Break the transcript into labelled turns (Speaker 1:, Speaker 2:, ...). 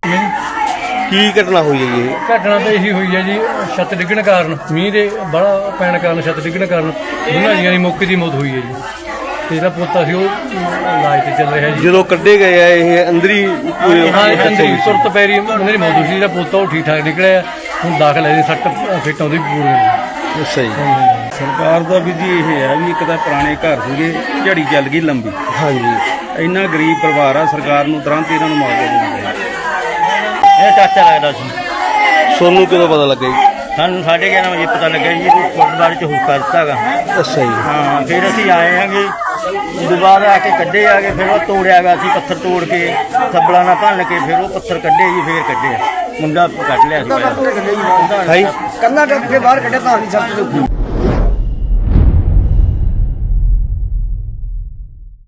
Speaker 1: ਕੀ ਘਟਨਾ ਹੋਈ ਹੈ ਜੀ ਇਹ?
Speaker 2: ਘਟਨਾ ਤਾਂ ਇਹੀ ਹੋਈ ਹੈ ਜੀ, ਛੱਤ ਡਿੱਗਣ ਕਾਰਨ, ਮੀਂਹ ਦੇ ਬੜਾ ਪੈਣ ਕਾਰਨ, ਛੱਤ ਡਿੱਗਣ ਕਾਰਨ ਦੋਨਾਂ ਜੀਆਂ ਦੀ ਮੌਕੇ ਦੀ ਮੌਤ ਹੋਈ ਹੈ ਜੀ। ਤੇ ਜਿਹੜਾ ਪੋਤਾ ਸੀ ਉਹ ਇਲਾਜ ਤੇ ਚੱਲ ਰਿਹਾ ਜੀ।
Speaker 1: ਜਦੋਂ ਕੱਢੇ ਗਏ ਆ ਇਹ ਅੰਦਰੀ
Speaker 2: ਅੰਦਰੀ ਸੁਰਤ ਪੈਰੀ ਉਹਨਾਂ ਦੀ ਮੌਤ ਹੋਈ ਸੀ। ਜਿਹੜਾ ਪੋਤਾ ਉਹ ਠੀਕ ਠਾਕ ਨਿਕਲਿਆ, ਹੁਣ ਦਾਖਲ ਹੈ ਜੀ, ਸੱਟ ਫਿੱਟ ਆਉਂਦੀ ਪੂਰੀ।
Speaker 1: ਅੱਛਾ ਜੀ।
Speaker 3: ਸਰਕਾਰ ਦਾ ਵੀ ਜੀ ਇਹ ਹੈ ਵੀ ਇੱਕ ਤਾਂ ਪੁਰਾਣੇ ਘਰ ਸੀਗੇ, ਝੜੀ ਚੱਲ ਗਈ ਲੰਬੀ,
Speaker 1: ਹਾਂਜੀ।
Speaker 3: ਇੰਨਾ ਗਰੀਬ ਪਰਿਵਾਰ ਆ, ਸਰਕਾਰ ਨੂੰ ਤੁਰੰਤ ਇਹਨਾਂ ਨੂੰ ਮੁਆਵਜ਼ਾ ਦੇਣਾ ਚਾਹੀਦਾ।
Speaker 4: ਇਹ ਚਾਚਾ ਲੱਗਦਾ ਸੀ।
Speaker 1: ਤੁਹਾਨੂੰ ਕਦੋਂ ਪਤਾ ਲੱਗਾ ਜੀ?
Speaker 4: ਸਾਨੂੰ 11:30 ਵਜੇ ਪਤਾ ਲੱਗਿਆ ਜੀ ਕਿ ਗੁਰਦੁਆਰੇ 'ਚ ਹੁਕਾ ਦਿੱਤਾ ਗਾ।
Speaker 1: ਅੱਛਾ ਜੀ।
Speaker 4: ਹਾਂ, ਫਿਰ ਅਸੀਂ ਆਏ ਆਂਗੇ, ਉਦੋਂ ਬਾਅਦ ਆ ਕੇ ਕੱਢੇ ਆ ਕੇ, ਫਿਰ ਉਹ ਤੋੜਿਆ ਗਾ, ਅਸੀਂ ਪੱਥਰ ਤੋੜ ਕੇ ਸੱਬਲਾਂ ਨਾਲ ਭੰਨ ਕੇ ਫਿਰ ਉਹ ਪੱਥਰ ਕੱਢੇ ਜੀ, ਫਿਰ ਕੱਢਿਆ ਮੁੰਡਾ ਕੱਢ ਲਿਆ ਸੀ।
Speaker 1: ਹਾਈ
Speaker 5: ਕੰਨਾ ਟੱਪ ਕੇ ਬਾਹਰ ਕੱਢਿਆ ਤਾਂ ਨਹੀਂ ਸਭ ਤੋਂ